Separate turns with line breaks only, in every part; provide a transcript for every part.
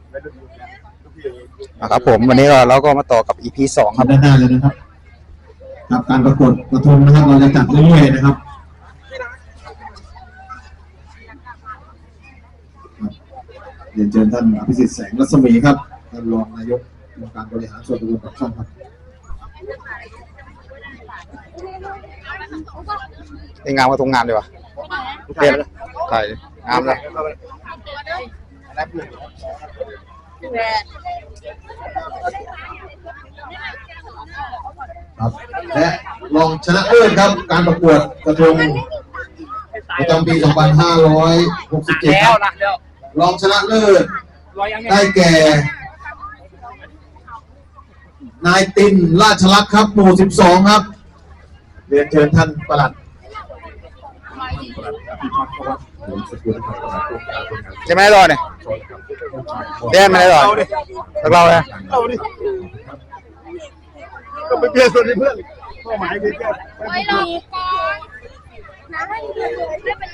นะครับผมวันนี้เราก็มาต่อกับ EP 2 ครับ
ด้านหน้าเลยนะครับกับการประกวดกระทงนะครับเราจะจัดเรื่อยๆนะครับเรียนเชิญท่านอภิสิทธิ์แสงรัศมีครับท่านรองนายกองค์การบริหารส่วนตำบลปากช่องครับ
งานกระทงงานดีกว่าเปลี่ยนใช่งามเลย
ครับและรองชนะเลิศครับการประกวดกระทงประจำปี 2567 ครับรองชนะเลิศได้แก่นายตินราชลักษณ์ครับหมู่ 12 ครับเรียนเชิญท่านปลัด
จะไม่ได้รอเนี่ยเต้ไม่ได้รอสักเราเลย
ก็ไปเปลี่ยนส่วนที่เพื่อนเป้าหมายคือแค่
ไม่หรอกน้ำให้เลยไม่เป็นไร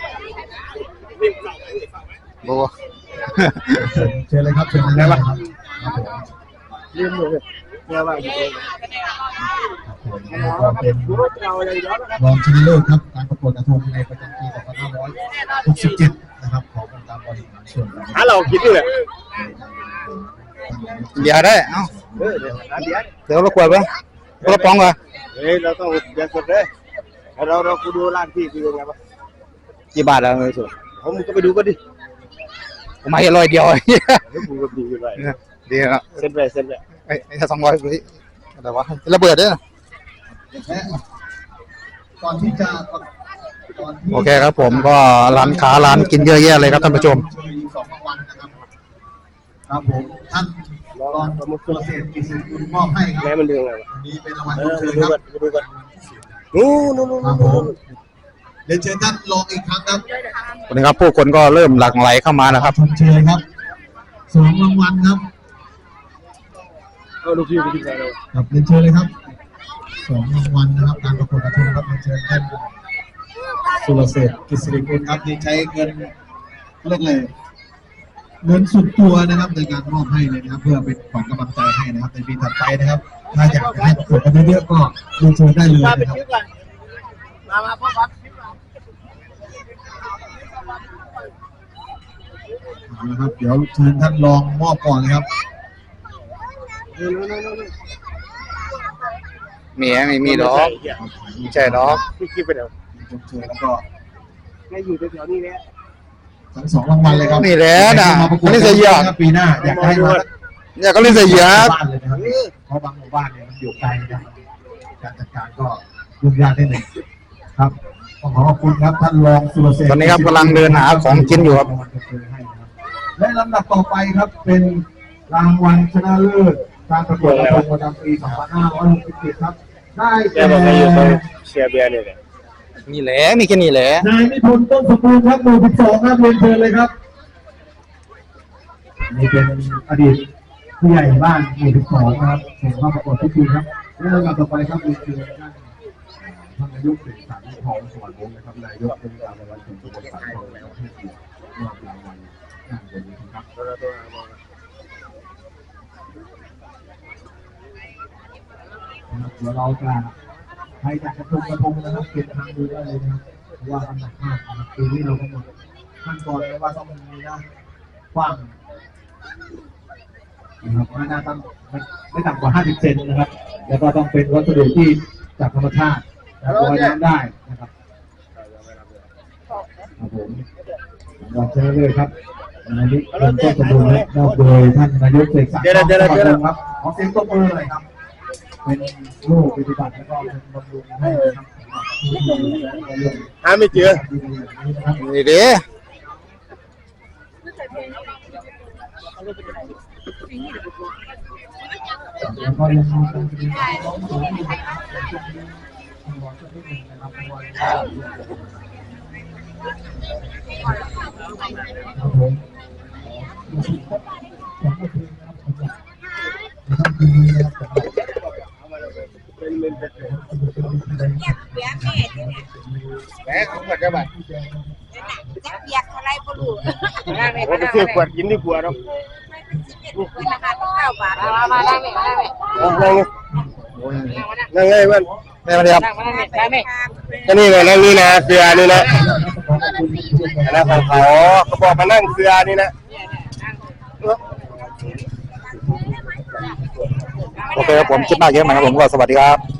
โบ
เชิญเลยครับเชิญเลยครับเรียนเลยเนี่ยว่าเป็นรองชนะเลิศครับการประกวดกระทงในประจำปี 2567 นะครับขององค์การบริหารส่วนตำบล
เราคิดด้วย
เดี๋ยวได้เอ้าเดี๋ยวเราขวดปะเราปองเหรอ
เราต้องเดี๋ยวกดเลยเราคุดูร้านพี่คือยังไงปะ
กี่บาทแล้วเฮ้ยสุด
ผมก็ไปดูก็ดิ
ผมมา100 เดียว
ผมก็ดูไป
ดีนะ
เซ็นไป
ไอ้ถ้า200เลยแต่ว่าระเบิดเนี่ย
ก่อนที่จะ
โอเคครับผมก็ร้านค้าร้านกินเยอะแยะเลยครับท่านผู้ชม
2 รางวัลนะครับครับผมท่านรองประมุขเกษตรกิจคุณมอบให้ครับ
แม่มันเรื่องอะไร
วันนี้เป็นรางวัลชมเชยครับ
ดูกันนู่น
เดี๋ยวเชิญท่านรองอีกครั้งครับ
วันนี้ครับผู้คนก็เริ่มหลั่งไหลเข้ามานะครับ
ชมเชยครับ2 รางวัลครับ
ลูกพี่ไปที่ไหนเรา
ครับเรียนเชิญเลยครับ2 รางวัลนะครับการประกวดกระทงครับเรียนเชิญท่านสุรเศรษฐ์กิจสิริกุลครับที่ใช้เงินเรียกเลยเงินสุดตัวนะครับในการมอบให้เลยนะครับเพื่อเป็นขวัญกำลังใจให้นะครับในปีถัดไปนะครับถ้าอยากให้ประกวดกันเยอะๆก็เรียนเชิญได้เลยนะครับ
มาพ่อครับ
นะครับเดี๋ยวเชิญท่านรองมอบก่อนเลยครับ
มีดอกใช่ดอก
คิดไปเดี๋ยว
เชิญแล้วก็
ให้อยู่แถวๆนี้แหละ
ทั้ง2 รางวัลเลยครับ
นี่แหละนะนี่เสียเยอะ
ปีหน้าอยากให้มา
เนี่ยก็เล่นเสียเยอะ
บ้านเลยนะครับเพราะบางหมู่บ้านเนี่ยมันอยู่ไกลนะครับการจัดการก็ยุ่งยากนิดหนึ่งครับขอบคุณครับท่านรองสุรเศรษฐ์
ตอนนี้ครับกำลังเดินหาของกินอยู่ครับ
และลำดับต่อไปครับเป็นรางวัลชนะเลิศการประกวดกระทงประจำปี 2567 ครับได้แก่
เชียร์เบียร์เนี่ย
นี่แหละมีแค่นี้แหละ
นายนิพนธ์ต้นสกุลครับหมู่ 12 ครับเรียนเชิญเลยครับนี่เป็นอดีตผู้ใหญ่บ้านหมู่ 12 ครับส่งเข้าประกวดทุกปีครับและลำดับต่อไปครับเรียนเชิญท่านนายกเศรษฐศาสตร์ทองสวัสดิ์นะครับนายกองค์การบริหารส่วนตำบลปากช่องนะครับให้เกียรติมอบรางวัลด้านบนนี้ครับเดี๋ยวเราจะใครอยากกระทงนะครับเก็บทางดูได้เลยนะครับเพราะว่ามันหนักมากนะครับปีนี้เรากำหนดขั้นตอนไว้ว่าต้องมีนะกว้างนะครับหน้าต้องไม่ต่ำกว่า50 เซนนะครับแล้วก็ต้องเป็นวัสดุที่จากธรรมชาติลอยน้ำได้นะครับครับผมรองชนะเลิศครับนายกต้นสมบูรณ์มอบโดยท่านนายกเสกสรรครับขอเสียงตบมือหน่อยครับเป็นลูกปฏิบัติแล้วก็เป็นบำรุงให้นะครับ
หาไม่เจอ
นี่ดิ
แล้วก็ยังมีการปฏิบัติครับผม
แหมเขาเปิดได้ไหม
จับเบียดอะไรก็รู้
ผมไปซื้อขวดกินดีกว่าเนาะ
ราคา9 บาทมานั่งนี่มานั่งนี่
นั่งไงมัน
แม่มาดีครับ
นั่งมานั่งนี่นั่งนี่
ก็นี่ไงนั่งนี่นะเสือนี่นะนะของเขาเขาบอกมานั่งเสือนี่นะ
โอเคครับผมคิดมากเยอะไหมครับผมก็สวัสดีครับ